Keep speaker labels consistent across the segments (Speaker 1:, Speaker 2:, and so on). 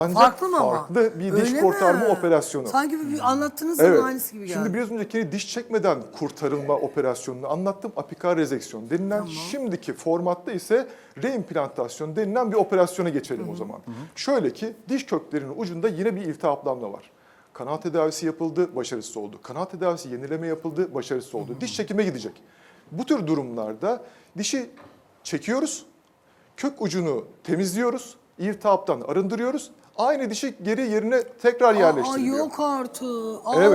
Speaker 1: Ancak
Speaker 2: Farklı mı ama?
Speaker 1: farklı bir diş
Speaker 2: Öyle
Speaker 1: kurtarma
Speaker 2: mi?
Speaker 1: operasyonu.
Speaker 2: Sanki bir anlattığınız zaman
Speaker 1: Evet.
Speaker 2: aynısı gibi geldi.
Speaker 1: Şimdi biraz önceki diş çekmeden kurtarılma operasyonunu anlattım. Apikal rezeksiyon denilen,
Speaker 2: Tamam.
Speaker 1: şimdiki formatta ise reimplantasyon denilen bir operasyona geçelim o zaman. Şöyle ki diş köklerinin ucunda yine bir iltihaplanma var. Kanal tedavisi yapıldı, başarısız oldu. Kanal tedavisi yenileme yapıldı, başarısız oldu. Diş çekime gidecek. Bu tür durumlarda dişi çekiyoruz, kök ucunu temizliyoruz, iltihaptan arındırıyoruz. Aynı dişi geri yerine tekrar yerleştiriliyor.
Speaker 2: Yok artık.
Speaker 1: Evet.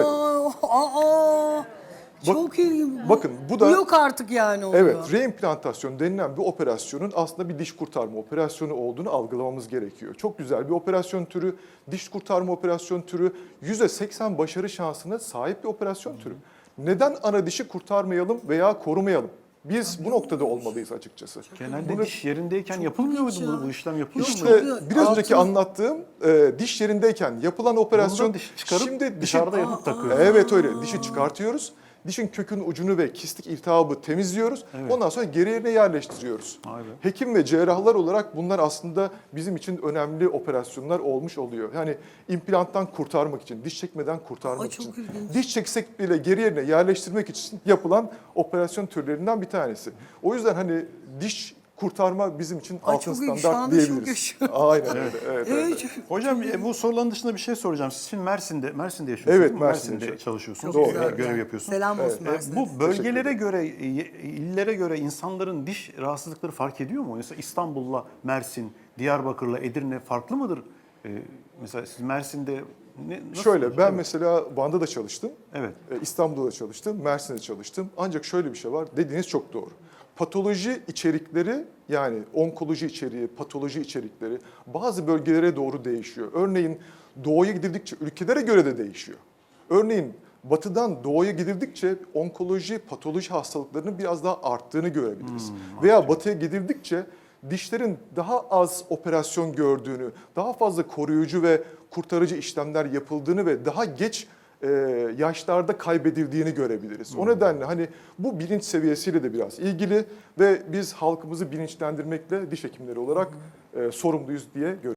Speaker 2: Çok ilginç.
Speaker 1: Bakın bu da
Speaker 2: yok artık yani oluyor.
Speaker 1: evet, reimplantasyon denilen bir operasyonun aslında bir diş kurtarma operasyonu olduğunu algılamamız gerekiyor. Çok güzel bir operasyon türü, diş kurtarma operasyon türü, %80 başarı şansına sahip bir operasyon türü. Neden ana dişi kurtarmayalım veya korumayalım? Biz bu noktada olmalıyız açıkçası.
Speaker 3: Genelde diş yerindeyken yapılmıyor muydu bu işlem yapılıyor mu?
Speaker 1: İşte
Speaker 2: Yok,
Speaker 1: biraz önceki
Speaker 2: altın-
Speaker 1: anlattığım diş yerindeyken yapılan operasyon,
Speaker 3: Bunu da diş çıkarıp
Speaker 1: şimdi
Speaker 3: dışarıda yapıp takıyoruz.
Speaker 1: Evet öyle, dişi çıkartıyoruz. Dişin kökün ucunu ve kistik iltihabı temizliyoruz.
Speaker 3: Evet.
Speaker 1: Ondan sonra geri yerine yerleştiriyoruz.
Speaker 3: Vay be.
Speaker 1: Hekim ve cerrahlar olarak bunlar aslında bizim için önemli operasyonlar olmuş oluyor. Yani implanttan kurtarmak için, diş çekmeden kurtarmak
Speaker 2: Ay, çok
Speaker 1: için.
Speaker 2: ilginç.
Speaker 1: Diş çeksek bile geri yerine yerleştirmek için yapılan operasyon türlerinden bir tanesi. O yüzden hani diş kurtarma bizim için
Speaker 2: Ay,
Speaker 1: altın
Speaker 2: çok iyi. Şu
Speaker 1: standart
Speaker 2: anda şok
Speaker 1: diyebiliriz.
Speaker 2: yaşıyorum.
Speaker 1: Aynen öyle. Evet, evet.
Speaker 3: Hocam bu soruların dışında bir şey soracağım. Siz şimdi Mersin'de yaşıyorsunuz.
Speaker 1: Evet,
Speaker 3: değil mi?
Speaker 1: Mersin'de
Speaker 3: Mersin'de çalışıyorsunuz.
Speaker 2: Çok
Speaker 1: güzel.
Speaker 3: Görev yapıyorsunuz.
Speaker 2: Selam olsun Mersin'e.
Speaker 3: Bu bölgelere göre, illere göre insanların diş rahatsızlıkları fark ediyor mu? Mesela İstanbul'la Mersin, Diyarbakır'la Edirne farklı mıdır? Mesela siz Mersin'de nasıl?
Speaker 1: Şöyle, ben mesela Van'da da çalıştım,
Speaker 3: Evet.
Speaker 1: İstanbul'da da çalıştım, Mersin'de çalıştım. Ancak şöyle bir şey var, dediğiniz çok doğru. Patoloji içerikleri, yani onkoloji içeriği, patoloji içerikleri bazı bölgelere doğru değişiyor. Örneğin doğuya gidildikçe ülkelere göre de değişiyor. Örneğin batıdan doğuya gidildikçe onkoloji, patoloji hastalıklarının biraz daha arttığını görebiliriz. Veya batıya gidildikçe dişlerin daha az operasyon gördüğünü, daha fazla koruyucu ve kurtarıcı işlemler yapıldığını ve daha geç yaşlarda kaybedildiğini görebiliriz. O nedenle hani bu bilinç seviyesiyle de biraz ilgili ve biz halkımızı bilinçlendirmekle diş hekimleri olarak sorumluyuz diye görüyoruz.